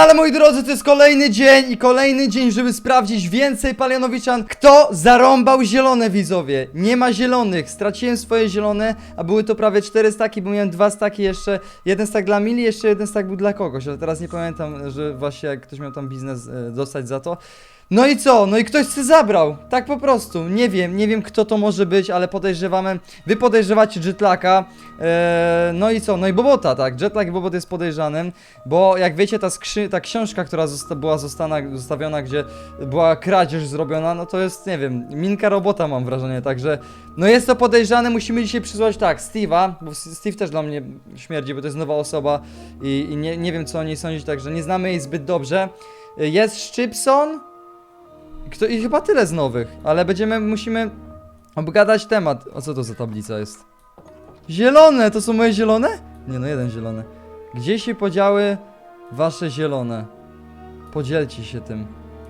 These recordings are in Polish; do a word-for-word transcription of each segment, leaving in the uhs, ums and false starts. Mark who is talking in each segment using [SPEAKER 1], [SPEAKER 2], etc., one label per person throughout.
[SPEAKER 1] ale moi drodzy, to jest kolejny dzień i kolejny dzień, żeby sprawdzić więcej Palianowiczan. Kto zarąbał zielone, widzowie? Nie ma zielonych, straciłem swoje zielone, a były to prawie cztery staki, bo miałem dwa staki jeszcze. Jeden stak dla Mili, jeszcze jeden stak był dla kogoś, ale teraz nie pamiętam, że właśnie jak ktoś miał tam biznes e, dostać za to. No i co? No i ktoś się zabrał. Tak po prostu. Nie wiem, nie wiem kto to może być, ale podejrzewamy. Wy podejrzewacie Jetlaka. Eee, no i co? No i Bobota, tak. Jetlag i Bobot jest podejrzanym, bo jak wiecie, ta, skrzy ta książka, która zosta była zostana, zostawiona, gdzie była kradzież zrobiona, no to jest, nie wiem, minka robota, mam wrażenie, także no jest to podejrzane. Musimy dzisiaj przysłać tak, Steve'a, bo Steve też dla mnie śmierdzi, bo to jest nowa osoba i, i nie, nie wiem co o niej sądzić, także nie znamy jej zbyt dobrze. Jest Szczypson. Kto, I chyba tyle z nowych, ale będziemy, musimy obgadać temat. O co to za tablica jest? Zielone, to są moje zielone? Nie no, jeden zielony. Gdzie się podziały wasze zielone? Podzielcie się tym.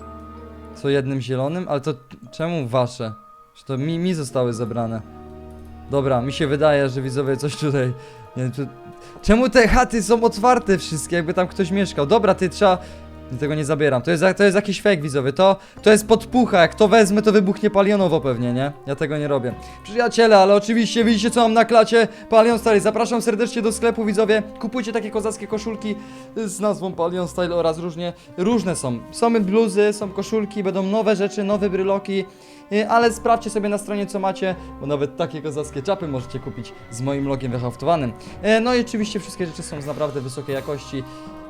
[SPEAKER 1] Co jednym zielonym? Ale to czemu wasze? Że to mi, mi zostały zebrane. Dobra, mi się wydaje, że widzowie coś tutaj... Nie, tu... Czemu te chaty są otwarte wszystkie, jakby tam ktoś mieszkał? Dobra, ty trzeba... Tego nie zabieram, to jest, to jest jakiś fake, widzowie, to, to jest podpucha, jak to wezmę, to wybuchnie palionowo pewnie, nie? Ja tego nie robię. Przyjaciele, ale oczywiście widzicie co mam na klacie, Palion Style, zapraszam serdecznie do sklepu, widzowie, kupujcie takie kozackie koszulki z nazwą Palion Style oraz różnie, różne są, są bluzy, są koszulki, będą nowe rzeczy, nowe bryloki, ale sprawdźcie sobie na stronie co macie, bo nawet takie kozackie czapy możecie kupić z moim logiem wyhaftowanym. No i oczywiście wszystkie rzeczy są z naprawdę wysokiej jakości.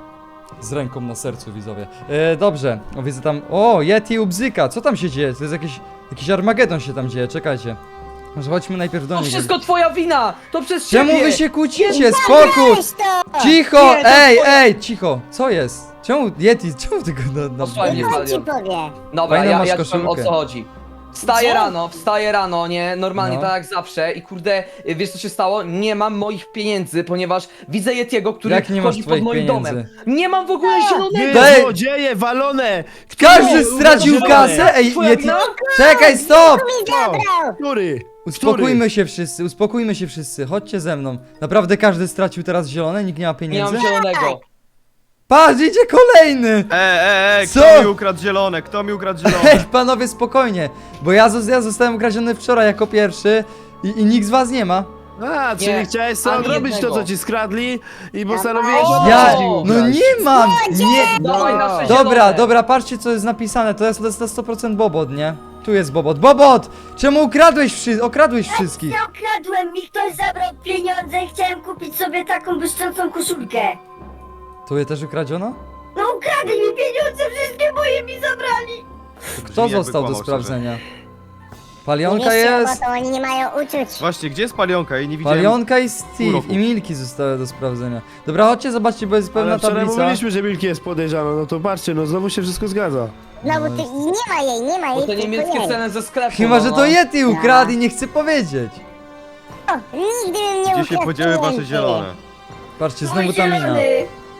[SPEAKER 1] Z ręką na sercu, widzowie. E, dobrze, o, widzę tam... O, Yeti u bzyka, co tam się dzieje? To jest jakiś... Jakiś Armagedon się tam dzieje, czekajcie. Może chodźmy najpierw do
[SPEAKER 2] To
[SPEAKER 1] nich.
[SPEAKER 2] wszystko twoja wina! To przez
[SPEAKER 1] Czemu
[SPEAKER 2] ciebie!
[SPEAKER 1] wy się kłócicie? Spokój! Cicho!
[SPEAKER 2] Nie, to
[SPEAKER 1] Ej,
[SPEAKER 2] twoja-
[SPEAKER 1] ej, cicho! Co jest? Czemu Yeti, czemu tego na... na...
[SPEAKER 2] Posłuchaj mnie,
[SPEAKER 3] Niech on ci
[SPEAKER 2] Palion.
[SPEAKER 3] powie.
[SPEAKER 2] Dobra,
[SPEAKER 1] Fajną
[SPEAKER 2] ja,
[SPEAKER 1] masz
[SPEAKER 2] ja ci powiem o
[SPEAKER 1] koszulkę.
[SPEAKER 2] co chodzi. Wstaję
[SPEAKER 3] Gdzie?
[SPEAKER 2] rano, wstaję rano, nie? Normalnie
[SPEAKER 1] No.
[SPEAKER 2] tak jak zawsze i kurde, y, wiesz co się stało? Nie mam moich pieniędzy, ponieważ widzę Yetiego, który
[SPEAKER 1] Jak nie masz
[SPEAKER 2] chodzi pod
[SPEAKER 1] twoich
[SPEAKER 2] moim
[SPEAKER 1] pieniędzy?
[SPEAKER 2] domem. Nie mam w ogóle zielonego!
[SPEAKER 1] Daj-
[SPEAKER 4] Wy złodzieje, walone!
[SPEAKER 1] Każdy
[SPEAKER 4] Który-
[SPEAKER 1] stracił
[SPEAKER 4] zielony?
[SPEAKER 1] kasę! Ej,
[SPEAKER 2] Twoja
[SPEAKER 1] Yeti...
[SPEAKER 2] wina?
[SPEAKER 1] Czekaj, stop!
[SPEAKER 3] Mi zabrał!
[SPEAKER 4] Który?
[SPEAKER 1] Uspokójmy się wszyscy, uspokójmy się wszyscy, chodźcie ze mną. Naprawdę każdy stracił teraz zielone, nikt nie ma
[SPEAKER 2] Nie
[SPEAKER 1] pieniędzy?
[SPEAKER 2] mam zielonego.
[SPEAKER 1] Patrz, idzie kolejny!
[SPEAKER 5] E, e, e,
[SPEAKER 1] Co?
[SPEAKER 5] kto mi ukradł zielone? Kto mi ukradł
[SPEAKER 1] Ej,
[SPEAKER 5] zielone?
[SPEAKER 1] panowie, spokojnie, bo ja, zos- ja zostałem ukradziony wczoraj jako pierwszy i, i nikt z was nie ma.
[SPEAKER 4] A, czyli
[SPEAKER 2] Nie,
[SPEAKER 4] chciałeś sam
[SPEAKER 2] ani
[SPEAKER 4] odrobić
[SPEAKER 2] jednego.
[SPEAKER 4] to, co ci skradli i postanowiłeś
[SPEAKER 2] O!
[SPEAKER 4] od
[SPEAKER 1] Ja,
[SPEAKER 4] nas
[SPEAKER 2] O!
[SPEAKER 1] no
[SPEAKER 4] ukraść.
[SPEAKER 1] nie mam, nie.
[SPEAKER 2] Dawaj nasze
[SPEAKER 1] Dobra,
[SPEAKER 2] zielone.
[SPEAKER 1] dobra, patrzcie co jest napisane, to jest, to jest na sto procent Bobot, nie? Tu jest Bobot. Bobot! Czemu ukradłeś wszy okradłeś wszystkich?
[SPEAKER 3] Ja okradłem, mi ktoś zabrał pieniądze i chciałem kupić sobie taką błyszczącą koszulkę.
[SPEAKER 1] Tu je też ukradziono?
[SPEAKER 3] No ukradli mi pieniądze, wszystkie moje mi zabrali.
[SPEAKER 1] To kto
[SPEAKER 5] Brzmi, jakby
[SPEAKER 1] został do
[SPEAKER 5] kłamał,
[SPEAKER 1] sprawdzenia?
[SPEAKER 3] Nie
[SPEAKER 1] Palionka
[SPEAKER 3] wiecie,
[SPEAKER 1] jest,
[SPEAKER 3] bo to oni nie mają uczuć.
[SPEAKER 5] Właśnie, gdzie jest palionka? Jej nie widziałem.
[SPEAKER 1] Palionka i Steve
[SPEAKER 5] pół roku.
[SPEAKER 1] i Milki zostały do sprawdzenia. Dobra, chodźcie zobaczcie, bo jest pewna
[SPEAKER 4] Ale wczoraj
[SPEAKER 1] tablica.
[SPEAKER 4] mówiliśmy, że Milki jest podejrzana, no to patrzcie, no znowu się wszystko zgadza.
[SPEAKER 3] No bo ty, nie ma jej, nie ma
[SPEAKER 2] Bo
[SPEAKER 3] jej,
[SPEAKER 2] te
[SPEAKER 3] tylko
[SPEAKER 2] niemieckie
[SPEAKER 3] jej.
[SPEAKER 2] ceny ze sklepu.
[SPEAKER 1] Chyba,
[SPEAKER 2] no,
[SPEAKER 1] że
[SPEAKER 2] no.
[SPEAKER 1] to Yeti ukradł i nie chce powiedzieć.
[SPEAKER 3] O, nigdy bym nie
[SPEAKER 5] Gdzie się
[SPEAKER 3] ukradł
[SPEAKER 5] podziały wasze
[SPEAKER 3] pieniędzy.
[SPEAKER 5] zielone?
[SPEAKER 1] Patrzcie, znowu ta mina.
[SPEAKER 3] zielony.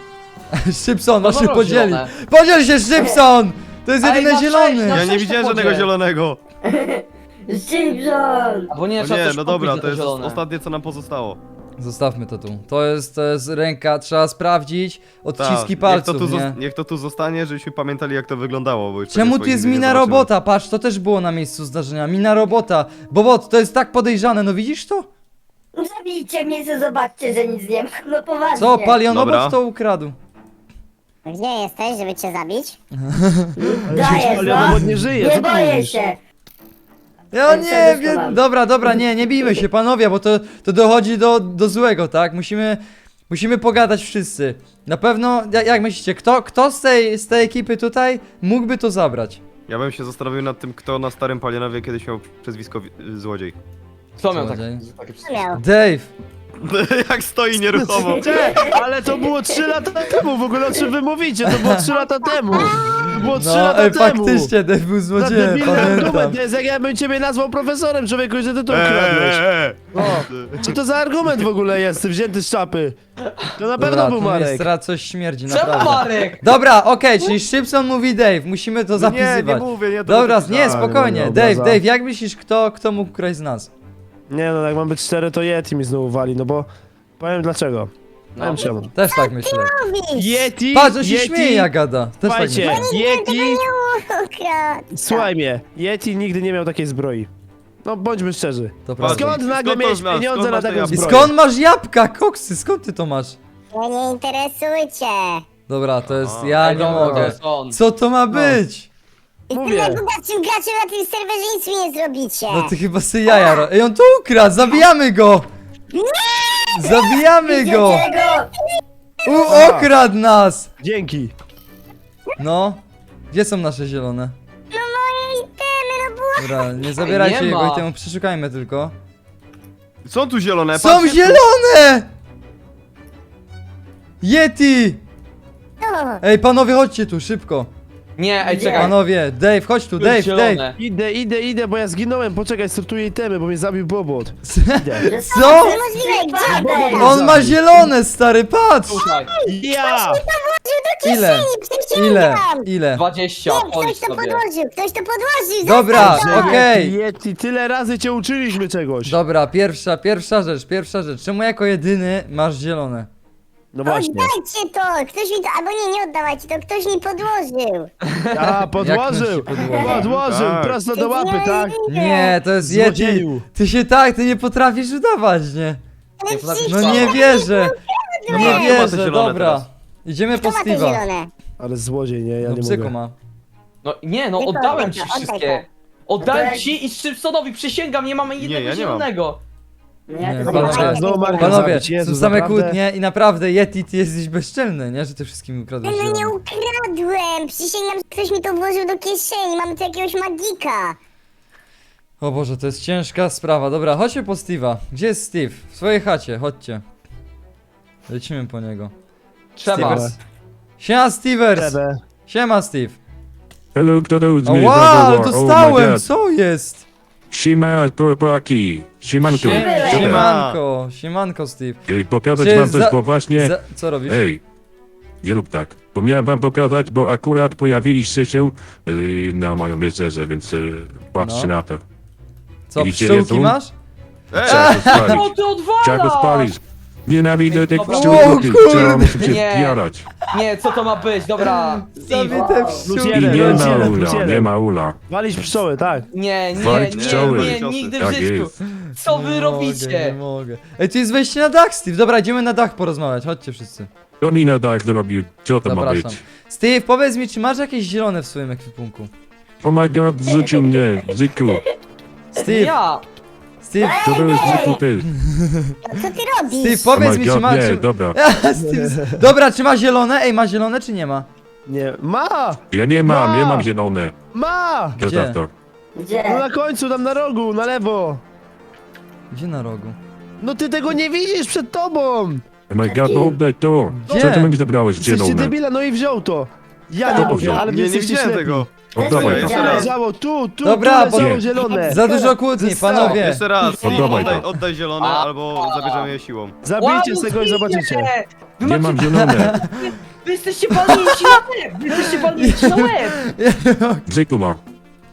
[SPEAKER 1] Szybson,
[SPEAKER 2] No
[SPEAKER 1] masz się
[SPEAKER 2] dobra,
[SPEAKER 1] podzieli.
[SPEAKER 2] zielone.
[SPEAKER 1] Podziel się, Szybson! To jest
[SPEAKER 2] Ej,
[SPEAKER 1] jedyny
[SPEAKER 2] na
[SPEAKER 1] zielony.
[SPEAKER 2] sześć, na
[SPEAKER 5] Ja nie
[SPEAKER 2] sześć
[SPEAKER 5] widziałem
[SPEAKER 2] to
[SPEAKER 5] żadnego
[SPEAKER 2] podziel.
[SPEAKER 5] zielonego.
[SPEAKER 3] Szybson.
[SPEAKER 2] Bo nie,
[SPEAKER 5] No
[SPEAKER 2] trzeba
[SPEAKER 5] nie,
[SPEAKER 2] coś
[SPEAKER 5] no
[SPEAKER 2] kupić
[SPEAKER 5] dobra,
[SPEAKER 2] za
[SPEAKER 5] to jest
[SPEAKER 2] zielone.
[SPEAKER 5] ostatnie co nam pozostało.
[SPEAKER 1] Zostawmy to tu. To jest, to jest ręka, trzeba sprawdzić odciski
[SPEAKER 5] Tak, niech
[SPEAKER 1] palców,
[SPEAKER 5] to, tu
[SPEAKER 1] nie?
[SPEAKER 5] zos- niech to tu zostanie, żebyśmy pamiętali jak to wyglądało. Bo już
[SPEAKER 1] Czemu
[SPEAKER 5] pewnie
[SPEAKER 1] tu
[SPEAKER 5] swoich
[SPEAKER 1] jest
[SPEAKER 5] nie
[SPEAKER 1] mina
[SPEAKER 5] zobaczymy.
[SPEAKER 1] robota? Patrz, to też było na miejscu zdarzenia. Mina robota. Bobot, to jest tak podejrzane, no widzisz to?
[SPEAKER 3] Zabijcie mnie, co zobaczcie, że nic nie ma. No poważnie.
[SPEAKER 1] Co, palionobot
[SPEAKER 5] Dobra.
[SPEAKER 1] to ukradł.
[SPEAKER 3] Gdzie jesteś, żeby cię zabić?
[SPEAKER 4] Ale no, nie żyje, co
[SPEAKER 3] Nie
[SPEAKER 4] ty
[SPEAKER 3] boję
[SPEAKER 4] mówisz?
[SPEAKER 3] się.
[SPEAKER 1] Ja
[SPEAKER 3] Ale
[SPEAKER 1] nie
[SPEAKER 3] serduszko
[SPEAKER 1] wiem.
[SPEAKER 3] mam.
[SPEAKER 1] Dobra, dobra, nie, nie bijmy się, panowie, bo to, to dochodzi do, do złego, tak? Musimy, musimy pogadać wszyscy. Na pewno, jak, jak myślicie, kto, kto z, tej, z tej ekipy tutaj mógłby to zabrać?
[SPEAKER 5] Ja bym się zastanowił nad tym, kto na starym Palionowie kiedyś miał przezwisko wi- złodziej.
[SPEAKER 2] Kto miał tak,
[SPEAKER 1] Złodziej.
[SPEAKER 2] takie
[SPEAKER 3] Co miał?
[SPEAKER 1] Dave.
[SPEAKER 5] Jak stoi nieruchomo.
[SPEAKER 4] Cze, ale to było trzy lata temu, w ogóle o czym wy mówicie, to było trzy lata temu. To było trzy
[SPEAKER 1] No,
[SPEAKER 4] lata
[SPEAKER 1] ej,
[SPEAKER 4] temu.
[SPEAKER 1] faktycznie, Dave był
[SPEAKER 4] Za
[SPEAKER 1] złodziejem,
[SPEAKER 4] debilny
[SPEAKER 1] pamiętam.
[SPEAKER 4] argument, to jest jak ja bym ciebie nazwał profesorem, człowieku, że ty to ukradłeś.
[SPEAKER 5] Eee,
[SPEAKER 4] O, co to za argument w ogóle jest, wzięty z czapy? To na pewno
[SPEAKER 1] Dobra,
[SPEAKER 4] był
[SPEAKER 1] tu jest
[SPEAKER 4] Marek.
[SPEAKER 1] teraz coś śmierdzi,
[SPEAKER 2] Czemu
[SPEAKER 1] naprawdę.
[SPEAKER 2] Marek?
[SPEAKER 1] Dobra, okej, czyli Szybson mówi Dave, musimy to
[SPEAKER 5] Nie,
[SPEAKER 1] zapisywać.
[SPEAKER 5] nie mówię, nie to
[SPEAKER 1] Dobra,
[SPEAKER 5] to-
[SPEAKER 1] nie,
[SPEAKER 5] A,
[SPEAKER 1] spokojnie.
[SPEAKER 4] dobra,
[SPEAKER 1] Dave,
[SPEAKER 4] za-
[SPEAKER 1] Dave, jak myślisz, kto, kto mógł ukraść z nas?
[SPEAKER 4] Nie no, jak mam być cztery, to Yeti mi znowu wali, no bo... Powiem dlaczego. No. Wiem czemu.
[SPEAKER 1] Też tak myślę.
[SPEAKER 3] Mówisz!
[SPEAKER 4] Yeti,
[SPEAKER 1] Patrz, on się
[SPEAKER 4] Yeti,
[SPEAKER 1] śmieje jak gada. Też tak
[SPEAKER 4] Słuchajcie,
[SPEAKER 1] myślę.
[SPEAKER 4] Yeti,
[SPEAKER 3] Ukradł.
[SPEAKER 4] słuchaj mnie, Yeti nigdy nie miał takiej zbroi. No bądźmy szczerzy.
[SPEAKER 1] To prawda.
[SPEAKER 4] Skąd nagle
[SPEAKER 5] Skąd to
[SPEAKER 4] miałeś
[SPEAKER 5] znasz?
[SPEAKER 4] pieniądze
[SPEAKER 5] Skąd
[SPEAKER 4] na
[SPEAKER 5] masz te
[SPEAKER 4] taką
[SPEAKER 5] jabłka?
[SPEAKER 1] I
[SPEAKER 4] zbroję?
[SPEAKER 1] skąd masz jabłka, koksy? Skąd ty to masz?
[SPEAKER 3] Ja nie interesujcie.
[SPEAKER 1] Dobra, to jest...
[SPEAKER 5] A.
[SPEAKER 1] Ja
[SPEAKER 2] Ej,
[SPEAKER 1] nie
[SPEAKER 2] dobra, to
[SPEAKER 1] mogę.
[SPEAKER 2] jest on.
[SPEAKER 1] Co to ma być?
[SPEAKER 3] Jestem
[SPEAKER 4] Mówię.
[SPEAKER 3] najbogatszym graczem na tym serwerze, nic mi nie zrobicie.
[SPEAKER 1] No ty chyba sy jaja ro... Ej, on to ukradł! Zabijamy go! Zabijamy go!
[SPEAKER 3] Czego?
[SPEAKER 1] U, okradł nas!
[SPEAKER 4] Dzięki.
[SPEAKER 1] No. Gdzie są nasze zielone?
[SPEAKER 3] No moje itemy, no było...
[SPEAKER 1] Dobra, nie zabierajcie
[SPEAKER 2] nie
[SPEAKER 1] jego
[SPEAKER 2] ma.
[SPEAKER 1] i temu przeszukajmy tylko.
[SPEAKER 5] Są tu zielone,
[SPEAKER 1] Są
[SPEAKER 5] patrzcie.
[SPEAKER 1] zielone! Yeti!
[SPEAKER 3] No.
[SPEAKER 1] Ej, panowie, chodźcie tu, szybko.
[SPEAKER 2] Nie, ej,
[SPEAKER 3] Gdzie?
[SPEAKER 2] czekaj.
[SPEAKER 1] Panowie, Dave, chodź tu,
[SPEAKER 2] Tu jest
[SPEAKER 1] Dave, Dave.
[SPEAKER 2] zielone.
[SPEAKER 4] Idę, idę, idę, bo ja zginąłem. Poczekaj, sortuję itemy, bo mnie zabił Bobot. Idę.
[SPEAKER 1] Co?
[SPEAKER 3] Niemożliwe, gdzie
[SPEAKER 4] Bobot
[SPEAKER 1] On ma zielone, stary, patrz!
[SPEAKER 2] Tutaj,
[SPEAKER 4] Ja!
[SPEAKER 1] Ile?
[SPEAKER 3] Przysięgam.
[SPEAKER 1] Ile? Ile?
[SPEAKER 2] dwadzieścia,
[SPEAKER 3] Nie, ktoś
[SPEAKER 2] policz
[SPEAKER 3] to
[SPEAKER 2] sobie.
[SPEAKER 3] podłożył, ktoś to podłożył.
[SPEAKER 1] Dobra,
[SPEAKER 3] zostaw to.
[SPEAKER 1] okej.
[SPEAKER 4] Yeti, Yeti, tyle razy cię uczyliśmy czegoś.
[SPEAKER 1] Dobra, pierwsza, pierwsza rzecz, pierwsza rzecz. Czemu jako jedyny masz zielone?
[SPEAKER 4] No właśnie.
[SPEAKER 3] Oddajcie to, ktoś mi to, albo nie, nie oddawajcie to, ktoś mi podłożył.
[SPEAKER 4] A, podłożył!
[SPEAKER 1] Jak ktoś ci podłożył?
[SPEAKER 4] Podłożył,
[SPEAKER 5] Tak.
[SPEAKER 4] prosto do łapy, tak?
[SPEAKER 1] Nie, to jest Yeti.
[SPEAKER 4] Złodzieju.
[SPEAKER 1] Ty się tak, ty nie potrafisz udawać, nie?
[SPEAKER 3] Ale przecież
[SPEAKER 1] No nie wierzę.
[SPEAKER 5] Dobra,
[SPEAKER 1] Nie
[SPEAKER 5] kto ma te
[SPEAKER 1] wierzę,
[SPEAKER 5] zielone
[SPEAKER 1] dobra.
[SPEAKER 5] teraz?
[SPEAKER 1] Idziemy po
[SPEAKER 3] Kto ma te
[SPEAKER 1] Steve'a.
[SPEAKER 3] zielone?
[SPEAKER 4] Ale złodziej, nie, ja
[SPEAKER 1] No
[SPEAKER 4] nie
[SPEAKER 1] psyko
[SPEAKER 4] mogę.
[SPEAKER 1] ma.
[SPEAKER 2] No nie, no
[SPEAKER 3] Tylko
[SPEAKER 2] oddałem
[SPEAKER 3] oddaj
[SPEAKER 2] ci
[SPEAKER 3] to, oddaj
[SPEAKER 2] wszystkie.
[SPEAKER 3] to.
[SPEAKER 2] Oddałem
[SPEAKER 3] Oddaj.
[SPEAKER 2] ci i Szybsonowi, przysięgam, nie mamy jednego
[SPEAKER 5] ja nie mam.
[SPEAKER 2] zielonego.
[SPEAKER 1] Nie,
[SPEAKER 3] to
[SPEAKER 1] panowie.
[SPEAKER 3] zobaczę.
[SPEAKER 4] Znowu Marka
[SPEAKER 1] Panowie,
[SPEAKER 4] zabić, Jezu,
[SPEAKER 1] są same
[SPEAKER 4] naprawdę?
[SPEAKER 1] kłótnie i naprawdę Yeti, ty jesteś bezczelny, nie? Że ty wszystkim ukradłeś
[SPEAKER 3] No nie
[SPEAKER 1] zielone.
[SPEAKER 3] ukradłem, przysięgam, że ktoś mi to włożył do kieszeni, mam tu jakiegoś magika.
[SPEAKER 1] O Boże, to jest ciężka sprawa. Dobra, chodźmy po Steve'a. Gdzie jest Steve? W swojej chacie, chodźcie. Lecimy po niego.
[SPEAKER 2] Trzeba.
[SPEAKER 1] Stevers. Siema Stevers!
[SPEAKER 4] Tebe.
[SPEAKER 1] Siema Steve!
[SPEAKER 6] Hello, kto to jest
[SPEAKER 1] O
[SPEAKER 6] mnie
[SPEAKER 1] wow,
[SPEAKER 6] zawołał? Oh my
[SPEAKER 1] dostałem!
[SPEAKER 6] God.
[SPEAKER 1] Co jest?
[SPEAKER 6] Siema, chłopaki. Siemanko.
[SPEAKER 1] Sie-
[SPEAKER 6] Siema.
[SPEAKER 1] Siemanko, siemanko Steve.
[SPEAKER 6] Ej, pokazać
[SPEAKER 1] Czy
[SPEAKER 6] wam coś,
[SPEAKER 1] za-
[SPEAKER 6] bo właśnie...
[SPEAKER 1] Za, co robisz?
[SPEAKER 6] Ej, nie rób tak. Bo miałem wam pokazać, bo akurat pojawiliście się yy, na moją rycerze, więc yy, patrzcie
[SPEAKER 1] No.
[SPEAKER 6] na to.
[SPEAKER 1] Co,
[SPEAKER 6] widzicie,
[SPEAKER 1] pszczółki
[SPEAKER 6] jest
[SPEAKER 1] masz?
[SPEAKER 5] Ej,
[SPEAKER 6] Trzeba to
[SPEAKER 2] Co
[SPEAKER 6] spalić.
[SPEAKER 2] ty
[SPEAKER 6] Trzeba go
[SPEAKER 2] odwalasz?
[SPEAKER 6] spalić. Nienawidzę tych
[SPEAKER 2] Dobra.
[SPEAKER 6] pszczółków.
[SPEAKER 1] O kurde.
[SPEAKER 6] Trzeba muszę się
[SPEAKER 2] Nie.
[SPEAKER 6] zjarać.
[SPEAKER 2] Nie, co to ma być? Dobra, Steve.
[SPEAKER 1] Zabite
[SPEAKER 4] Plus
[SPEAKER 1] pszczółki.
[SPEAKER 6] I
[SPEAKER 4] jeden,
[SPEAKER 6] nie
[SPEAKER 4] plus
[SPEAKER 6] ma
[SPEAKER 4] jeden, plus
[SPEAKER 6] ula,
[SPEAKER 4] jeden.
[SPEAKER 6] nie ma ula.
[SPEAKER 4] Walić pszczoły, tak.
[SPEAKER 2] Nie, nie,
[SPEAKER 6] Walić
[SPEAKER 2] nie,
[SPEAKER 6] pszczoły.
[SPEAKER 2] nie, nigdy w
[SPEAKER 6] Tak
[SPEAKER 2] życiu.
[SPEAKER 6] jest.
[SPEAKER 2] Co wy
[SPEAKER 1] Nie
[SPEAKER 2] robicie?
[SPEAKER 1] Mogę, nie mogę. Ej, tu jest wejście na dach, Steve. Dobra, idziemy na dach porozmawiać. Chodźcie wszyscy.
[SPEAKER 6] To mi na dach zrobił. Co to ma
[SPEAKER 1] Zapraszam.
[SPEAKER 6] być?
[SPEAKER 1] Steve, powiedz mi, czy masz jakieś zielone w swoim ekwipunku?
[SPEAKER 6] Oh my god, zrzucił mnie. Zyku.
[SPEAKER 1] Steve,
[SPEAKER 2] Ja.
[SPEAKER 1] Steve,
[SPEAKER 6] Co to jest Zyku ty?
[SPEAKER 3] Co ty robisz?
[SPEAKER 1] Steve,
[SPEAKER 6] Oh
[SPEAKER 1] powiedz
[SPEAKER 6] my
[SPEAKER 1] mi, czy
[SPEAKER 6] god,
[SPEAKER 1] ma...
[SPEAKER 6] nie,
[SPEAKER 1] Czy...
[SPEAKER 6] dobra.
[SPEAKER 1] Steve, dobra, czy ma zielone? Ej, ma zielone, czy nie ma?
[SPEAKER 4] Nie. Ma!
[SPEAKER 6] Ja nie mam,
[SPEAKER 4] Ma!
[SPEAKER 6] nie mam zielone.
[SPEAKER 4] Ma!
[SPEAKER 6] Zostaw to.
[SPEAKER 4] No
[SPEAKER 3] Gdzie?
[SPEAKER 4] na końcu, tam na rogu, na lewo.
[SPEAKER 1] Gdzie na rogu?
[SPEAKER 4] No ty tego nie widzisz przed tobą!
[SPEAKER 6] Oh my god, oddaj to.
[SPEAKER 1] Gdzie?
[SPEAKER 6] Co ty mi zabrałeś
[SPEAKER 4] Jesteście
[SPEAKER 6] zielone?
[SPEAKER 4] debile, no i wziął to. Ja nie
[SPEAKER 6] Kto
[SPEAKER 4] mówię,
[SPEAKER 6] wziął?
[SPEAKER 4] ale wy
[SPEAKER 5] nie, nie
[SPEAKER 4] jesteście
[SPEAKER 5] widziałem
[SPEAKER 4] ślepi.
[SPEAKER 5] tego.
[SPEAKER 6] Oddawaj to.
[SPEAKER 5] Jeszcze raz.
[SPEAKER 4] Leżało tu, tu,
[SPEAKER 1] Dobra,
[SPEAKER 4] tu
[SPEAKER 1] bo-
[SPEAKER 4] leżało zielone.
[SPEAKER 1] Za dużo kłótni,
[SPEAKER 4] Zostało.
[SPEAKER 1] panowie.
[SPEAKER 5] Jeszcze raz, Steve,
[SPEAKER 6] Oddawaj
[SPEAKER 5] oddaj,
[SPEAKER 6] to.
[SPEAKER 5] oddaj zielone,
[SPEAKER 2] A.
[SPEAKER 5] albo zabierzemy je siłą.
[SPEAKER 4] Zabijcie z tego i zobaczycie.
[SPEAKER 2] Wy,
[SPEAKER 6] Nie
[SPEAKER 2] macie,
[SPEAKER 6] mam zielone.
[SPEAKER 2] wy jesteście walnięci na łeb! Wy jesteście walnięci na łeb!
[SPEAKER 6] Zyku ma.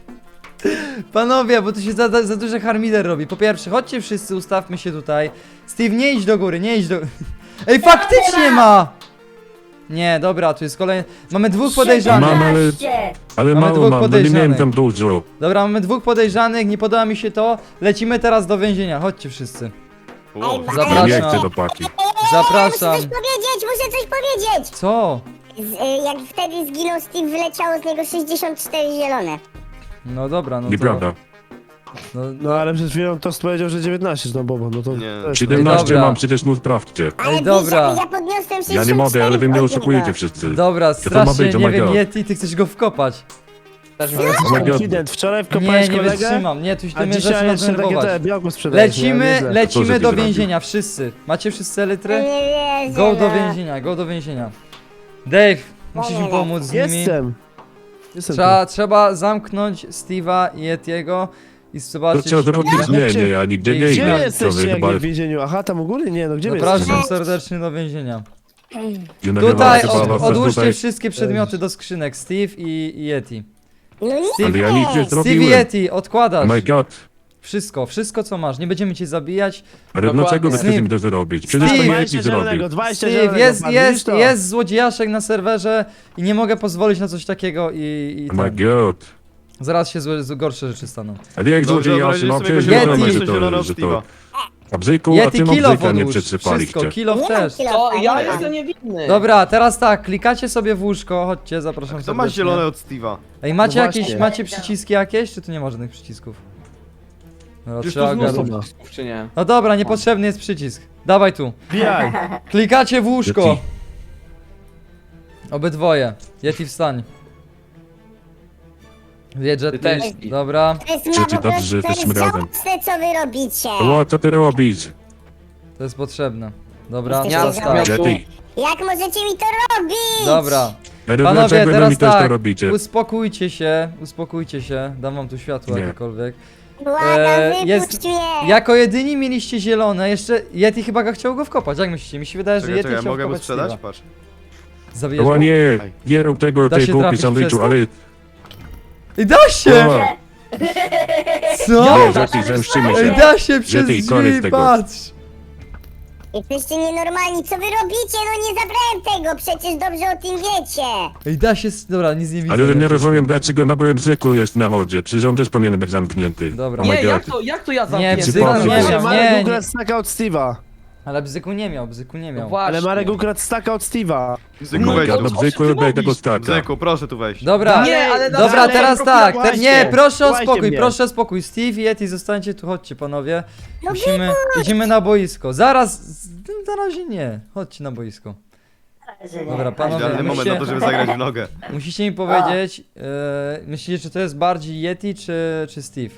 [SPEAKER 1] Panowie, bo tu się za, za duży harmider robi. Po pierwsze, chodźcie wszyscy, ustawmy się tutaj. Steve, nie idź do góry, nie idź do... Ej, faktycznie ma! Nie, dobra, tu jest kolejny... Mamy dwóch podejrzanych.
[SPEAKER 6] Mam, ale-
[SPEAKER 3] siedemnaście.
[SPEAKER 6] Ale
[SPEAKER 1] Mamy
[SPEAKER 6] mało
[SPEAKER 1] dwóch
[SPEAKER 6] mam, bo nie miałem
[SPEAKER 1] podejrzanych.
[SPEAKER 6] tam dużo.
[SPEAKER 1] Dobra, mamy dwóch podejrzanych, nie podoba mi się to. Lecimy teraz do więzienia, chodźcie wszyscy.
[SPEAKER 5] O,
[SPEAKER 3] Ej,
[SPEAKER 1] Zapraszam.
[SPEAKER 6] Nie chcę do paki.
[SPEAKER 1] Zapraszam.
[SPEAKER 3] Muszę coś powiedzieć, muszę coś powiedzieć.
[SPEAKER 1] Co?
[SPEAKER 3] Z, y, jak wtedy zginął Steve, wyleciało z niego sześćdziesiąt cztery zielone.
[SPEAKER 1] No dobra, no to...
[SPEAKER 6] Nieprawda.
[SPEAKER 1] No,
[SPEAKER 4] No ale przed chwilą Tost powiedział, że dziewiętnaście, no Bobo, no to...
[SPEAKER 5] Nie.
[SPEAKER 4] to jest-
[SPEAKER 6] siedemnaście
[SPEAKER 1] dobra.
[SPEAKER 6] mam, przecież mu sprawdźcie.
[SPEAKER 3] Ale
[SPEAKER 1] Ej, dobra.
[SPEAKER 3] wiesz, ja podniosłem sześćdziesiąt
[SPEAKER 6] Ja nie mogę, ale wy mnie
[SPEAKER 3] od niego.
[SPEAKER 6] oszukujecie wszyscy.
[SPEAKER 1] dobra,
[SPEAKER 6] to ma
[SPEAKER 1] strasznie,
[SPEAKER 6] być, oh
[SPEAKER 1] nie
[SPEAKER 6] my
[SPEAKER 1] wiem,
[SPEAKER 6] God.
[SPEAKER 1] Yeti, ty chcesz go wkopać.
[SPEAKER 2] Też mi-
[SPEAKER 6] Oh my god.
[SPEAKER 4] Incydent, wczoraj
[SPEAKER 1] Nie,
[SPEAKER 4] wkopałeś
[SPEAKER 1] nie
[SPEAKER 4] kolegę,
[SPEAKER 1] wytrzymam, nie, tu
[SPEAKER 4] a
[SPEAKER 1] to mnie
[SPEAKER 4] dzisiaj
[SPEAKER 1] zaczyna
[SPEAKER 4] jeszcze takie te
[SPEAKER 1] denerwować.
[SPEAKER 4] białko sprzedajesz.
[SPEAKER 1] Lecimy,
[SPEAKER 4] ja nieźle.
[SPEAKER 6] Co,
[SPEAKER 1] lecimy
[SPEAKER 6] że
[SPEAKER 1] do
[SPEAKER 6] ty
[SPEAKER 1] więzienia, wszyscy. Macie wszyscy
[SPEAKER 3] No
[SPEAKER 1] elytrę?
[SPEAKER 3] nie wierzę,
[SPEAKER 1] Go do
[SPEAKER 3] no.
[SPEAKER 1] więzienia, go do więzienia. Dave, musisz mi pomóc z nimi.
[SPEAKER 4] Jestem. Jestem
[SPEAKER 1] Trzeba, trzeba zamknąć Steve'a i Yetiego i
[SPEAKER 6] To
[SPEAKER 1] zobaczyć...
[SPEAKER 6] trzeba zrobić? Nie, nie, ja nigdzie nie
[SPEAKER 1] Gdzie
[SPEAKER 4] tu. Gdzie
[SPEAKER 6] idę. To
[SPEAKER 4] jesteście,
[SPEAKER 6] wy
[SPEAKER 4] jak
[SPEAKER 6] chyba...
[SPEAKER 4] nie w więzieniu? Aha, tam u góry? Nie, no gdzie wy
[SPEAKER 1] Zapraszam
[SPEAKER 4] jesteście?
[SPEAKER 1] serdecznie do więzienia.
[SPEAKER 6] Nie
[SPEAKER 1] Tutaj
[SPEAKER 6] nagrywam, chyba
[SPEAKER 1] od,
[SPEAKER 6] was
[SPEAKER 1] odłóżcie
[SPEAKER 6] tutaj-
[SPEAKER 1] wszystkie przedmioty do skrzynek, Steve i, i Yeti.
[SPEAKER 3] No nie
[SPEAKER 1] Steve,
[SPEAKER 6] Ale ja nic nie
[SPEAKER 1] Steve i
[SPEAKER 6] zrobiłem.
[SPEAKER 1] Yeti, odkładasz.
[SPEAKER 6] Oh my god.
[SPEAKER 1] Wszystko, wszystko co masz, nie będziemy cię zabijać.
[SPEAKER 6] Ale
[SPEAKER 2] Dokładnie.
[SPEAKER 6] dlaczego wy chcecie
[SPEAKER 1] Steve.
[SPEAKER 6] mi to zrobić? Przecież to
[SPEAKER 1] Steve.
[SPEAKER 6] Yeti
[SPEAKER 4] dwadzieścia
[SPEAKER 6] zrobił.
[SPEAKER 4] zielonego, dwadzieścia
[SPEAKER 1] Steve,
[SPEAKER 4] zielonego,
[SPEAKER 1] jest,
[SPEAKER 4] pan,
[SPEAKER 1] jest,
[SPEAKER 4] widzisz to?
[SPEAKER 1] jest złodziejaszek na serwerze i nie mogę pozwolić na coś takiego i, i
[SPEAKER 6] Oh my
[SPEAKER 1] ten,
[SPEAKER 6] god.
[SPEAKER 1] zaraz się złe, gorsze rzeczy staną.
[SPEAKER 6] Ale jak
[SPEAKER 5] Dobrze,
[SPEAKER 6] złodziej
[SPEAKER 5] wyobraźcie
[SPEAKER 6] no
[SPEAKER 5] sobie
[SPEAKER 6] przecież
[SPEAKER 5] go
[SPEAKER 1] Yeti.
[SPEAKER 6] wiadomo, że
[SPEAKER 5] jeszcze zielone
[SPEAKER 6] to,
[SPEAKER 5] od
[SPEAKER 6] że to...
[SPEAKER 5] Steve'a.
[SPEAKER 6] A bzyku, a
[SPEAKER 1] Yeti
[SPEAKER 6] ty mam
[SPEAKER 1] kilo
[SPEAKER 6] bzyka nie
[SPEAKER 1] odłóż, wszystko,
[SPEAKER 6] przetrzypaliście.
[SPEAKER 1] kilo
[SPEAKER 3] Nie mam
[SPEAKER 1] też.
[SPEAKER 3] kilo.
[SPEAKER 2] To ja
[SPEAKER 3] nie mam.
[SPEAKER 2] jestem niewinny.
[SPEAKER 1] Dobra, teraz tak, klikacie sobie w łóżko, chodźcie, zapraszam
[SPEAKER 5] Kto ma
[SPEAKER 1] serdecznie.
[SPEAKER 5] zielone od Steve'a?
[SPEAKER 1] Ej, macie
[SPEAKER 4] No
[SPEAKER 1] jakieś,
[SPEAKER 4] właśnie.
[SPEAKER 1] macie przyciski jakieś, czy tu nie ma żadnych przycisków? Dobra,
[SPEAKER 2] Już
[SPEAKER 1] trzeba
[SPEAKER 2] tu mnóstwo
[SPEAKER 1] ogarnąć.
[SPEAKER 2] przycisków, czy nie?
[SPEAKER 1] No dobra, niepotrzebny jest przycisk. Dawaj tu.
[SPEAKER 4] Bijaj.
[SPEAKER 1] Klikacie w łóżko.
[SPEAKER 6] Yeti.
[SPEAKER 1] Obydwoje. Yeti wstań. Wiedże
[SPEAKER 2] Ty
[SPEAKER 1] ty.
[SPEAKER 2] też.
[SPEAKER 1] Dobra.
[SPEAKER 3] To jest
[SPEAKER 6] Czy- czy
[SPEAKER 3] ma po
[SPEAKER 6] dobrze,
[SPEAKER 3] prostu,
[SPEAKER 6] że
[SPEAKER 3] to jest
[SPEAKER 6] jesteśmy razem?
[SPEAKER 3] żałosne, co wy robicie.
[SPEAKER 6] O, co ty robisz?
[SPEAKER 1] To jest potrzebne. Dobra,
[SPEAKER 3] Jesteście
[SPEAKER 1] teraz tak.
[SPEAKER 3] żałosni.
[SPEAKER 6] Yeti.
[SPEAKER 3] Jak możecie mi to robić?
[SPEAKER 1] Dobra.
[SPEAKER 6] Ale
[SPEAKER 1] Panowie,
[SPEAKER 6] dlaczego wy
[SPEAKER 1] teraz
[SPEAKER 6] mi też to
[SPEAKER 1] tak.
[SPEAKER 6] robicie?
[SPEAKER 1] Uspokójcie się, uspokójcie się. Dam wam tu światło
[SPEAKER 6] Nie.
[SPEAKER 1] jakiekolwiek.
[SPEAKER 3] Błagam,
[SPEAKER 1] E,
[SPEAKER 3] wypuść
[SPEAKER 1] jest-
[SPEAKER 3] mnie.
[SPEAKER 1] Jako jedyni mieliście zielone, jeszcze Yeti chyba go chciał go wkopać. Jak myślicie? Mi się wydaje, że
[SPEAKER 5] Czekaj,
[SPEAKER 1] Yeti
[SPEAKER 5] czekaj,
[SPEAKER 1] chciał
[SPEAKER 5] mogę mu
[SPEAKER 1] wkopać
[SPEAKER 5] sprzedać?
[SPEAKER 1] Steve'a.
[SPEAKER 5] Patrz.
[SPEAKER 1] Zabijesz
[SPEAKER 6] O
[SPEAKER 1] go?
[SPEAKER 6] nie, nie rób tego
[SPEAKER 1] Da
[SPEAKER 6] tej
[SPEAKER 1] się
[SPEAKER 6] głupi
[SPEAKER 1] trafić
[SPEAKER 6] sandwichu,
[SPEAKER 1] przez to?
[SPEAKER 6] ale...
[SPEAKER 1] I da się!
[SPEAKER 6] O,
[SPEAKER 1] Co?
[SPEAKER 6] nie, Yeti, zemszczymy
[SPEAKER 1] Ej,
[SPEAKER 6] się.
[SPEAKER 1] da się przez
[SPEAKER 6] Yeti,
[SPEAKER 1] drzwi,
[SPEAKER 6] koniec tego.
[SPEAKER 1] patrz!
[SPEAKER 3] Jesteście nienormalni, co wy robicie? No nie zabrałem tego, przecież dobrze o tym wiecie.
[SPEAKER 1] Ej, da się... Dobra, nic nie widzę.
[SPEAKER 6] Ale nie rozumiem, dlaczego na moim bzyku jest na wodzie. Przecież on też powinien być zamknięty.
[SPEAKER 1] Dobra.
[SPEAKER 6] Oh my
[SPEAKER 2] Nie,
[SPEAKER 6] god.
[SPEAKER 2] jak to, jak to ja
[SPEAKER 1] Nie,
[SPEAKER 2] zamknięty?
[SPEAKER 1] bzyku
[SPEAKER 6] Patrz,
[SPEAKER 1] nie
[SPEAKER 6] patrz.
[SPEAKER 1] miał,
[SPEAKER 4] Marek
[SPEAKER 1] nie, nie.
[SPEAKER 4] ukradł staka od Steve'a.
[SPEAKER 1] Ale bzyku nie miał, bzyku nie
[SPEAKER 2] No
[SPEAKER 1] miał.
[SPEAKER 2] właśnie.
[SPEAKER 4] Ale Marek ukradł staka od Steve'a.
[SPEAKER 5] Bzyku,
[SPEAKER 6] Oh my
[SPEAKER 5] weź
[SPEAKER 6] god,
[SPEAKER 5] tu.
[SPEAKER 6] no
[SPEAKER 2] o czym
[SPEAKER 6] bzyku
[SPEAKER 2] ty
[SPEAKER 6] lubię tego
[SPEAKER 2] mówisz?
[SPEAKER 6] staka.
[SPEAKER 5] Bzyku, proszę tu wejść.
[SPEAKER 1] Dobra,
[SPEAKER 2] Nie, ale
[SPEAKER 1] dobra,
[SPEAKER 2] dalej,
[SPEAKER 1] teraz tak, te,
[SPEAKER 4] właśnie.
[SPEAKER 1] nie, proszę o
[SPEAKER 4] Słuchajcie
[SPEAKER 1] spokój,
[SPEAKER 4] mnie.
[SPEAKER 1] proszę o spokój. Steve i Yeti, zostańcie tu, chodźcie panowie.
[SPEAKER 3] No
[SPEAKER 1] Musimy, idziemy na boisko. Zaraz, z- na razie nie, chodźcie na boisko. Dobra, panowie,
[SPEAKER 5] Idealny moment na to, żeby
[SPEAKER 1] musicie,
[SPEAKER 5] zagrać w nogę.
[SPEAKER 1] musicie mi powiedzieć, e, myślicie, czy to jest bardziej Yeti, czy, czy Steve?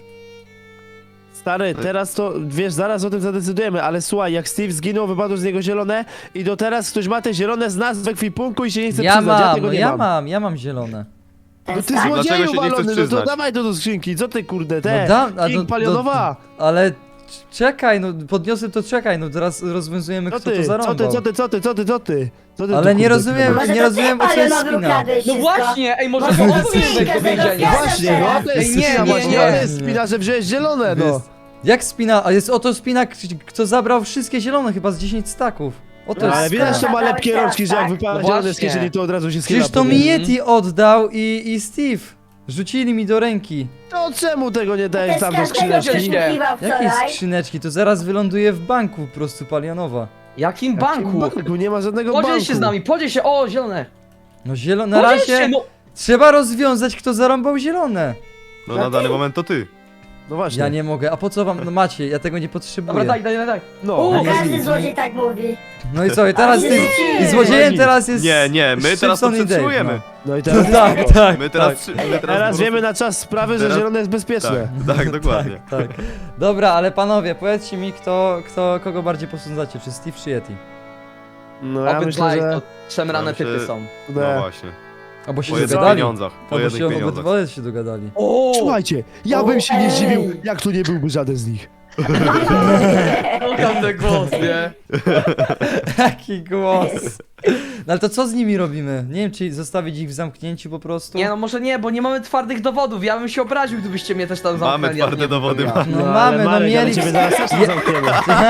[SPEAKER 4] Stary, teraz to, wiesz, zaraz o tym zadecydujemy, ale słuchaj, jak Steve zginął, wypadło z niego zielone i do teraz ktoś ma te zielone z nas w ekwipunku i się nie chce
[SPEAKER 1] Ja
[SPEAKER 4] przyznać, ja
[SPEAKER 1] mam,
[SPEAKER 4] tego
[SPEAKER 1] no
[SPEAKER 4] nie
[SPEAKER 1] ja
[SPEAKER 4] mam.
[SPEAKER 1] mam, ja mam zielone.
[SPEAKER 4] No ty
[SPEAKER 5] Dlaczego się
[SPEAKER 4] złodzieju
[SPEAKER 5] nie chcesz
[SPEAKER 4] walony, no to
[SPEAKER 5] przyznać?
[SPEAKER 4] dawaj to do skrzynki, co ty kurde, te,
[SPEAKER 1] No dam, a
[SPEAKER 4] King
[SPEAKER 1] do-
[SPEAKER 4] palionowa.
[SPEAKER 1] do- Ale c- czekaj, no podniosę to, czekaj, no teraz rozwiązujemy,
[SPEAKER 4] Co
[SPEAKER 1] kto to
[SPEAKER 4] ty, co
[SPEAKER 1] zarąbał.
[SPEAKER 4] ty, co ty, co ty, co ty, co ty? Co ty
[SPEAKER 1] Ale
[SPEAKER 4] tu,
[SPEAKER 1] nie
[SPEAKER 4] kurde,
[SPEAKER 1] rozumiem,
[SPEAKER 4] kurde?
[SPEAKER 3] Może
[SPEAKER 1] nie
[SPEAKER 3] to
[SPEAKER 1] rozumiem,
[SPEAKER 3] ty,
[SPEAKER 1] o co jest
[SPEAKER 3] Palionowy,
[SPEAKER 1] spina.
[SPEAKER 3] ukradłeś
[SPEAKER 2] No
[SPEAKER 3] wszystko.
[SPEAKER 2] właśnie, ej, może
[SPEAKER 3] Może
[SPEAKER 2] to
[SPEAKER 3] ty
[SPEAKER 2] on powinien wejść do
[SPEAKER 3] zgadza
[SPEAKER 2] więzienia.
[SPEAKER 3] się.
[SPEAKER 4] Właśnie, no to jest
[SPEAKER 2] Ej, nie,
[SPEAKER 4] spina,
[SPEAKER 2] nie,
[SPEAKER 4] właśnie,
[SPEAKER 2] nie.
[SPEAKER 4] to jest spina, że wziąłeś zielone, no.
[SPEAKER 1] Jest. Jak spina? A jest oto spina, k- kto zabrał wszystkie zielone, chyba z dziesięć staków. Oto
[SPEAKER 4] No,
[SPEAKER 1] jest
[SPEAKER 4] ale
[SPEAKER 1] spina.
[SPEAKER 4] widać, to ma lepkie rączki, że jak
[SPEAKER 3] Tak.
[SPEAKER 4] wypada
[SPEAKER 2] No
[SPEAKER 4] zielone z
[SPEAKER 2] właśnie.
[SPEAKER 4] kieszeni, to od razu się schyla.
[SPEAKER 1] Przecież to
[SPEAKER 4] po
[SPEAKER 1] mi
[SPEAKER 4] nie.
[SPEAKER 1] Yeti oddał i, i Steve. Rzucili mi do ręki.
[SPEAKER 4] To czemu tego nie dajesz
[SPEAKER 3] Też
[SPEAKER 4] tam do
[SPEAKER 3] każdego
[SPEAKER 4] skrzyneczki?
[SPEAKER 3] przesłuchiwał
[SPEAKER 1] Jakie
[SPEAKER 3] wczoraj.
[SPEAKER 1] skrzyneczki? To zaraz wyląduje w banku po prostu Palionowa.
[SPEAKER 2] Jakim banku?
[SPEAKER 4] Banku, nie ma żadnego
[SPEAKER 2] Podziel
[SPEAKER 4] banku.
[SPEAKER 2] się z nami, podziel się, o, zielone.
[SPEAKER 1] No zielone, na
[SPEAKER 2] Podziel się,
[SPEAKER 1] razie
[SPEAKER 2] no.
[SPEAKER 1] trzeba rozwiązać, kto zarąbał zielone.
[SPEAKER 5] No na dany moment to ty.
[SPEAKER 4] No właśnie.
[SPEAKER 1] Ja nie mogę, a po co wam, no macie, ja tego nie
[SPEAKER 2] Dobra,
[SPEAKER 1] potrzebuję.
[SPEAKER 2] daj, daj, daj, daj.
[SPEAKER 4] No.
[SPEAKER 2] O,
[SPEAKER 3] Każdy złodziej tak mówi.
[SPEAKER 1] No i co, i teraz
[SPEAKER 3] Ale
[SPEAKER 1] ty,
[SPEAKER 3] nie.
[SPEAKER 1] i złodziejem teraz jest
[SPEAKER 5] Nie, nie, my teraz to
[SPEAKER 1] Szybson i Dave,
[SPEAKER 5] przetrzymujemy.
[SPEAKER 4] No i
[SPEAKER 1] No.
[SPEAKER 4] teraz,
[SPEAKER 1] Tak, tak,
[SPEAKER 5] My teraz...
[SPEAKER 1] tak.
[SPEAKER 5] trzy- My teraz,
[SPEAKER 4] teraz
[SPEAKER 5] po prostu-
[SPEAKER 4] wiemy na czas sprawy, że
[SPEAKER 5] Teraz-
[SPEAKER 4] zielone jest bezpieczne.
[SPEAKER 5] Tak, tak, dokładnie.
[SPEAKER 1] Tak. Dobra, ale panowie, powiedzcie mi, kto, kto, kogo bardziej posądzacie, czy Steve, czy Yeti?
[SPEAKER 4] No ja myślę,
[SPEAKER 2] Obydwaj
[SPEAKER 4] że...
[SPEAKER 2] to szemrane
[SPEAKER 5] Ja myślę-
[SPEAKER 2] typy są.
[SPEAKER 5] No właśnie.
[SPEAKER 1] Albo się
[SPEAKER 5] Po jednych
[SPEAKER 1] dogadali.
[SPEAKER 5] pieniądzach. Po
[SPEAKER 1] Albo
[SPEAKER 5] jednych
[SPEAKER 1] się
[SPEAKER 5] pieniądzach.
[SPEAKER 1] obydwoje się dogadali.
[SPEAKER 2] O,
[SPEAKER 4] Słuchajcie, ja bym się nie
[SPEAKER 3] Ej.
[SPEAKER 4] zdziwił, jak to nie byłby żaden z nich.
[SPEAKER 2] tam ten głos, nie?
[SPEAKER 1] Jaki głos. No ale to co z nimi robimy? Nie wiem, czy zostawić ich w zamknięciu po prostu?
[SPEAKER 2] Nie no, może nie, bo nie mamy twardych dowodów. Ja bym się obraził, gdybyście mnie też tam zamknęli.
[SPEAKER 5] Mamy
[SPEAKER 2] a
[SPEAKER 5] twarde
[SPEAKER 2] nie bym
[SPEAKER 5] dowody.
[SPEAKER 2] powiedział.
[SPEAKER 1] No
[SPEAKER 4] ale
[SPEAKER 1] mamy, no
[SPEAKER 4] Marek, ale
[SPEAKER 1] mieli...
[SPEAKER 4] ciebie zaraz też tam zamkniemy.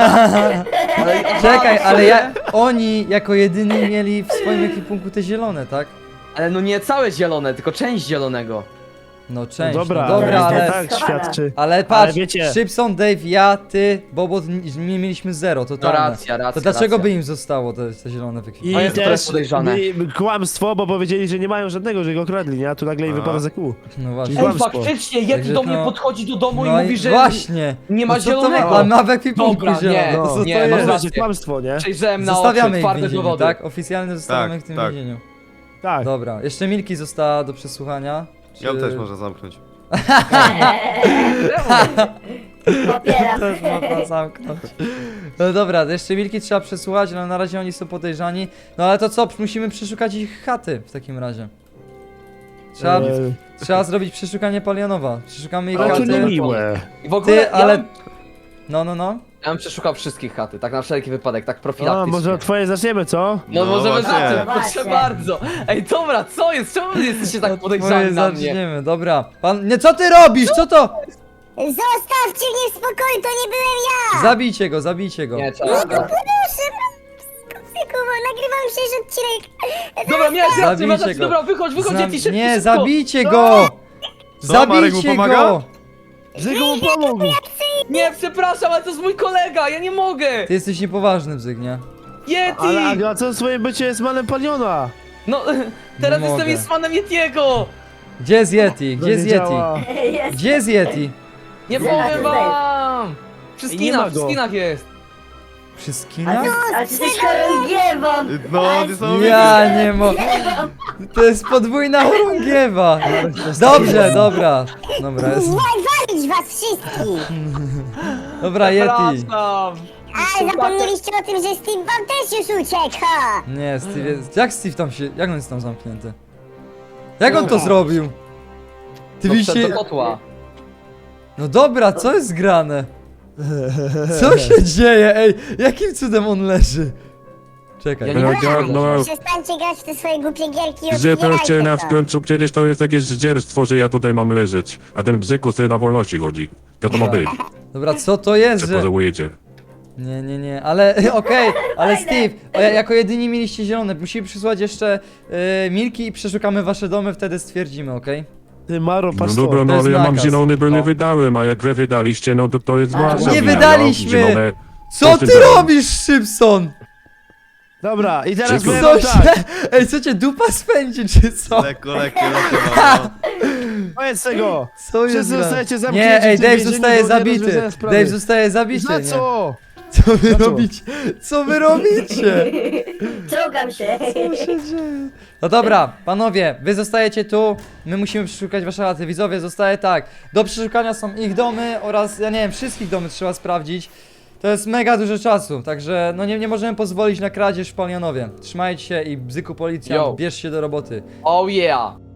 [SPEAKER 2] Ale,
[SPEAKER 1] Czekaj,
[SPEAKER 2] aha,
[SPEAKER 1] ale
[SPEAKER 2] w
[SPEAKER 1] ja,
[SPEAKER 2] sumie.
[SPEAKER 1] oni jako jedyni mieli w swoim ekwipunku te zielone, tak?
[SPEAKER 2] Ale no nie całe zielone, tylko część zielonego.
[SPEAKER 1] No część,
[SPEAKER 4] No dobra,
[SPEAKER 1] no dobra,
[SPEAKER 4] ale
[SPEAKER 1] ale...
[SPEAKER 4] to tak świadczy.
[SPEAKER 1] Ale patrz,
[SPEAKER 4] wiecie-
[SPEAKER 1] Szybson, Dave, ja, ty, Bobot, nie mieliśmy zero,
[SPEAKER 2] No
[SPEAKER 1] totalne.
[SPEAKER 2] racja, racja.
[SPEAKER 1] To dlaczego
[SPEAKER 2] racja.
[SPEAKER 1] by im zostało te, te zielone w
[SPEAKER 4] I
[SPEAKER 1] ekwipunku?
[SPEAKER 2] To jest
[SPEAKER 4] też
[SPEAKER 2] podejrzane.
[SPEAKER 4] mi- kłamstwo, bo powiedzieli, że nie mają żadnego, że go okradli, nie? A tu nagle i
[SPEAKER 5] A.
[SPEAKER 4] wypada za kół.
[SPEAKER 1] No właśnie.
[SPEAKER 2] Ej,
[SPEAKER 4] Kłamstwo.
[SPEAKER 2] faktycznie, Yeti
[SPEAKER 1] Także
[SPEAKER 2] do mnie
[SPEAKER 1] no-
[SPEAKER 2] podchodzi do domu
[SPEAKER 1] No
[SPEAKER 2] i mówi, że
[SPEAKER 1] właśnie.
[SPEAKER 2] nie ma
[SPEAKER 1] No co to
[SPEAKER 2] zielonego.
[SPEAKER 1] ma- A ma w ekwipunku
[SPEAKER 2] Dobra, nie,
[SPEAKER 1] zielone,
[SPEAKER 4] no,
[SPEAKER 1] to co
[SPEAKER 2] nie,
[SPEAKER 1] to
[SPEAKER 2] masz
[SPEAKER 1] jest?
[SPEAKER 4] Może
[SPEAKER 2] rację.
[SPEAKER 4] kłamstwo, nie?
[SPEAKER 2] przejrzałem na
[SPEAKER 1] Zostawiamy
[SPEAKER 2] oczy
[SPEAKER 1] ich w
[SPEAKER 2] twarde
[SPEAKER 1] więzieniu,
[SPEAKER 2] dowody.
[SPEAKER 1] tak? Oficjalnie zostawiamy
[SPEAKER 5] Tak,
[SPEAKER 1] ich w tym
[SPEAKER 5] tak.
[SPEAKER 1] więzieniu.
[SPEAKER 4] Tak.
[SPEAKER 1] Dobra, jeszcze Milki została do przesłuchania. Czy...
[SPEAKER 5] Ją też można zamknąć.
[SPEAKER 3] Popieram.
[SPEAKER 1] Też można zamknąć. No dobra, jeszcze Milki trzeba przesłuchać, ale na razie oni są podejrzani. No ale to co, musimy przeszukać ich chaty w takim razie. Trzeba,
[SPEAKER 4] Eee,
[SPEAKER 1] trzeba zrobić przeszukanie Palionowa. Przeszukamy ich
[SPEAKER 4] ale to
[SPEAKER 1] chaty.
[SPEAKER 4] niemiłe.
[SPEAKER 2] I w ogóle
[SPEAKER 1] Ty, ale...
[SPEAKER 2] ja, bym,
[SPEAKER 1] No, no, no.
[SPEAKER 2] ja bym przeszukał wszystkich chaty, tak na wszelki wypadek, tak
[SPEAKER 4] A,
[SPEAKER 2] profilaktycznie.
[SPEAKER 4] może od twojej zaczniemy, co?
[SPEAKER 2] No,
[SPEAKER 5] No
[SPEAKER 2] możemy
[SPEAKER 5] właśnie.
[SPEAKER 2] zacząć, proszę
[SPEAKER 3] Właśnie.
[SPEAKER 2] bardzo. Ej, dobra, co jest? Czemu wy jesteście tak
[SPEAKER 1] Twoje
[SPEAKER 2] podejrzani na mnie?
[SPEAKER 1] zaczniemy, dobra. Pan... Nie, co ty robisz? Co to?
[SPEAKER 3] Zostawcie mnie w spokoju, to nie byłem ja!
[SPEAKER 1] Zabijcie go, zabijcie go.
[SPEAKER 2] Nie,
[SPEAKER 3] No
[SPEAKER 2] trzeba.
[SPEAKER 3] to proszę, Kucyku, nagrywam przecież odcinek.
[SPEAKER 2] Dobra, miałeś rację,
[SPEAKER 1] Zabijcie
[SPEAKER 2] masz rację,
[SPEAKER 1] go.
[SPEAKER 2] dobra, wychodź, wychodź,
[SPEAKER 1] Zna-
[SPEAKER 2] Yeti, szybko,
[SPEAKER 1] Nie,
[SPEAKER 2] szybko.
[SPEAKER 1] zabijcie go!
[SPEAKER 5] Co, Marek mu
[SPEAKER 1] Zabijcie
[SPEAKER 5] pomaga?
[SPEAKER 1] go!
[SPEAKER 4] Bzyku mu pomógł!
[SPEAKER 2] Nie, przepraszam, ale to jest mój kolega, ja nie mogę!
[SPEAKER 1] Ty jesteś niepoważny, Bzyk, nie?
[SPEAKER 2] Yeti!
[SPEAKER 4] Ale a, a co swoje bycie jest manem Paliona?
[SPEAKER 2] No, teraz
[SPEAKER 1] Nie
[SPEAKER 2] jestem
[SPEAKER 1] mogę.
[SPEAKER 2] jest fanem Yetiego!
[SPEAKER 1] Gdzie jest Yeti?
[SPEAKER 4] To
[SPEAKER 1] Gdzie jest
[SPEAKER 4] nie
[SPEAKER 1] Yeti?
[SPEAKER 4] działa.
[SPEAKER 1] Gdzie jest Yeti?
[SPEAKER 2] Nie
[SPEAKER 7] Zaraz,
[SPEAKER 2] powiem
[SPEAKER 7] zaraz.
[SPEAKER 2] wam! Przy
[SPEAKER 4] I nie
[SPEAKER 2] skinach,
[SPEAKER 4] ma
[SPEAKER 2] przy
[SPEAKER 4] go.
[SPEAKER 2] skinach jest!
[SPEAKER 1] Przy
[SPEAKER 7] A
[SPEAKER 1] skinach?
[SPEAKER 7] ty, a ty jesteś chorągiewą!
[SPEAKER 5] No, niesamowite.
[SPEAKER 1] Ja nie mo... To jest podwójna chorągiewa. Dobrze, dobra. Dobra, jest...
[SPEAKER 3] Walić was wszystkich!
[SPEAKER 1] Dobra, Yeti.
[SPEAKER 2] Przepraszam!
[SPEAKER 3] Ale zapomnieliście o tym, że Steve wam też już uciekł, ha!
[SPEAKER 1] Nie, Steve jest... Jak Steve tam się... Jak on jest tam zamknięty? Jak on to zrobił? Ty
[SPEAKER 2] To
[SPEAKER 1] widzicie...
[SPEAKER 2] wszedł do kotła.
[SPEAKER 1] No dobra, co jest grane? Co się dzieje? Ej, jakim cudem on leży? Czekaj.
[SPEAKER 2] Ja nie
[SPEAKER 6] No,
[SPEAKER 2] wiem.
[SPEAKER 6] ja, no,
[SPEAKER 3] Przestańcie grać w te swoje głupie gierki i
[SPEAKER 6] że proszę
[SPEAKER 3] otwierajcie
[SPEAKER 6] na
[SPEAKER 3] to.
[SPEAKER 6] w końcu, przecież to jest takie zdzierstwo, że ja tutaj mam leżeć. A ten bzyku sobie na wolności chodzi. Jak to ma być?
[SPEAKER 1] Dobra, co to jest,
[SPEAKER 6] Że
[SPEAKER 1] że...
[SPEAKER 6] pożałujecie.
[SPEAKER 1] Nie, nie, nie, ale okej, ale Steve, o, jako jedyni mieliście zielone, musimy przysłać jeszcze y, Milki i przeszukamy wasze domy, wtedy stwierdzimy, okej?
[SPEAKER 4] Ty Maro,
[SPEAKER 6] No
[SPEAKER 4] patrz
[SPEAKER 6] dobra,
[SPEAKER 4] to.
[SPEAKER 6] no
[SPEAKER 1] jest
[SPEAKER 6] ale ja mam
[SPEAKER 1] nakaz.
[SPEAKER 6] zielony, bo nie
[SPEAKER 2] No.
[SPEAKER 6] wydałem, a jak wy wydaliście, no to to jest
[SPEAKER 7] Ale
[SPEAKER 6] wasza
[SPEAKER 1] nie
[SPEAKER 6] wina,
[SPEAKER 1] wydaliśmy!
[SPEAKER 6] ja mam zielone.
[SPEAKER 1] Co
[SPEAKER 6] Proszę
[SPEAKER 1] ty
[SPEAKER 6] bardzo.
[SPEAKER 1] robisz, Szybson?
[SPEAKER 4] Dobra, i teraz
[SPEAKER 6] Bzyku.
[SPEAKER 4] powiem
[SPEAKER 1] Co
[SPEAKER 4] wam tak.
[SPEAKER 1] się... Ej, co cię dupa spędzi, czy co?
[SPEAKER 5] Lekko, lekko, lekko. No.
[SPEAKER 4] Koniec tego!
[SPEAKER 1] Co jest
[SPEAKER 4] Wszyscy
[SPEAKER 1] grane?
[SPEAKER 4] zostajecie zamknięci
[SPEAKER 1] Nie, ej,
[SPEAKER 4] w tym
[SPEAKER 1] Dave
[SPEAKER 4] więzieniu
[SPEAKER 1] zostaje
[SPEAKER 4] do
[SPEAKER 1] zabity.
[SPEAKER 4] nierozwiązania sprawy.
[SPEAKER 1] Dave zostaje zabity,
[SPEAKER 4] Za
[SPEAKER 1] nie?
[SPEAKER 4] co?
[SPEAKER 1] Co wy
[SPEAKER 4] Za co?
[SPEAKER 1] robicie? Co wy robicie?
[SPEAKER 7] Czołgam się!
[SPEAKER 1] Co się dzieje? No dobra, panowie, wy zostajecie tu, my musimy przeszukać wasze chaty. Widzowie, zostaje tak. Do przeszukania są ich domy oraz, ja nie wiem, wszystkich domy trzeba sprawdzić. To jest mega dużo czasu, także no nie, nie możemy pozwolić na kradzież w Palionowie. Trzymajcie się i Bzyku
[SPEAKER 2] Yo.
[SPEAKER 1] policjant, bierz się do roboty.
[SPEAKER 2] Oh yeah!